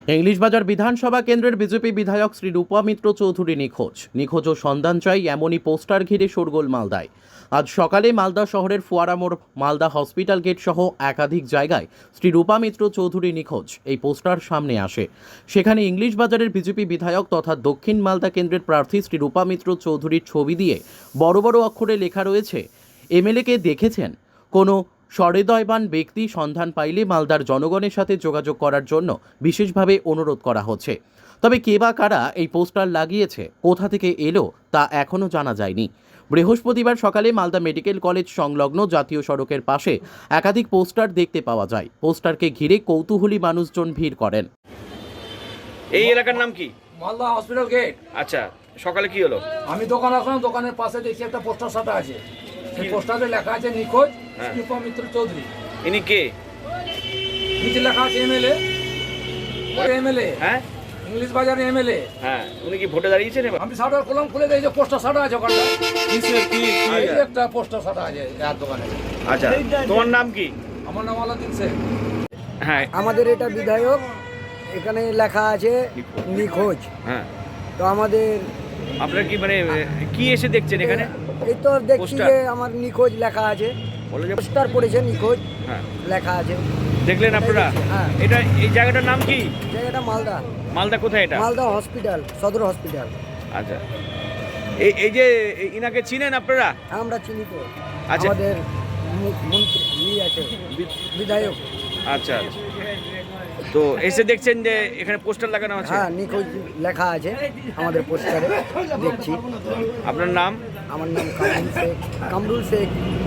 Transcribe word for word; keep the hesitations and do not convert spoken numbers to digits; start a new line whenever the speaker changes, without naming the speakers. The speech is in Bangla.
ইংলিশবাজার বিধানসভা কেন্দ্রের বিজেপি বিধায়ক শ্রী রূপা মিত্র চৌধুরী নিখোঁজ নিখোঁজ ও সন্ধান চাই এমনই পোস্টার ঘিরে শোরগোল মালদায়। আজ সকালে মালদা শহরের ফোয়ারা মোড়, মালদা হসপিটাল গেট সহ একাধিক জায়গায় শ্রী রূপা মিত্র চৌধুরী নিখোঁজ এই পোস্টার সামনে আসে। সেখানে ইংলিশবাজারের বিজেপি বিধায়ক তথা দক্ষিণ মালদা কেন্দ্রের প্রার্থী শ্রী রূপা মিত্র চৌধুরীর ছবি দিয়ে বড় বড় অক্ষরে লেখা রয়েছে, এমএলএকে দেখেছেন? কোনো সহৃদয়বান ব্যক্তি সন্ধান পাইলে মালদার জনগণের সাথে যোগাযোগ করার জন্য বিশেষভাবে অনুরোধ করা হচ্ছে। তবে কে বা কারা এই পোস্টার লাগিয়েছে, কোথা থেকে এলো তা এখনও জানা যায়নি। বৃহস্পতিবার সকালে মালদা মেডিকেল কলেজ সংলগ্ন জাতীয় সড়কের পাশে একাধিক পোস্টার দেখতে পাওয়া যায়। পোস্টারকে ঘিরে কৌতূহলী মানুষজন ভিড় করেন।
এই এলাকার নাম কি?
Malda hospital gate.
আচ্ছা, সকালে কি হলো?
আমি দোকান আসলাম, দোকানের পাশে দেখি একটা পোস্টার সাটা আছে। সেই পোস্টারে লেখা আছে নিখোঁজ রূপা মিত্র চৌধুরী।
ইনি কে?
নিচে লেখা আছে এমএলএ। এমএলএ
হ্যাঁ,
ইংলিশ বাজারে এমএলএ।
হ্যাঁ, উনি কি ভোটে দাঁড়িয়েছেন এবার?
আমি শাটার খুললাম, খুলে দেখি যে পোস্টার সাটা আছে ওখানটা।
কিসের কি?
এই যে একটা পোস্টার সাটা আছে এর দোকানে।
আচ্ছা, তোমার নাম কি?
আমার নাম আলাদিন শেখ।
হ্যাঁ,
আমাদের এটা বিধায়ক, এখানে লেখা আছে নিখোঁজ।
হ্যাঁ,
তো আমাদের
আপনার কি মানে কি এসে দেখছেন এখানে?
এই তো দেখছি
পোস্টার?
যে আমার নিখোঁজ লেখা আছে,
বলে যে
পোস্টার পড়েছে নিখোঁজ
হ্যাঁ,
লেখা আছে।
দেখলেন আপনারা?
হ্যাঁ।
এটা এই জায়গাটার নাম কি?
জায়গাটা মালদা,
মালদা কোথায় এটা?
মালদা হসপিটাল, সদর হসপিটাল।
আচ্ছা, এই এই যে ইনাকে চিনেন আপনারা?
আমরা চিনি তো,
আচ্ছা।
আমাদের মু- মন্ত্রী ই আছে, বিধায়ক।
আচ্ছা, আচ্ছা। তো এসে দেখছেন যে এখানে পোস্টার লাগানো আছে?
হ্যাঁ, নিখোঁজ লেখা আছে আমাদের পোস্টারে, দেখছি।
আপনার নাম?
আমার নাম কামরুল শেখ। কামরুল শেখ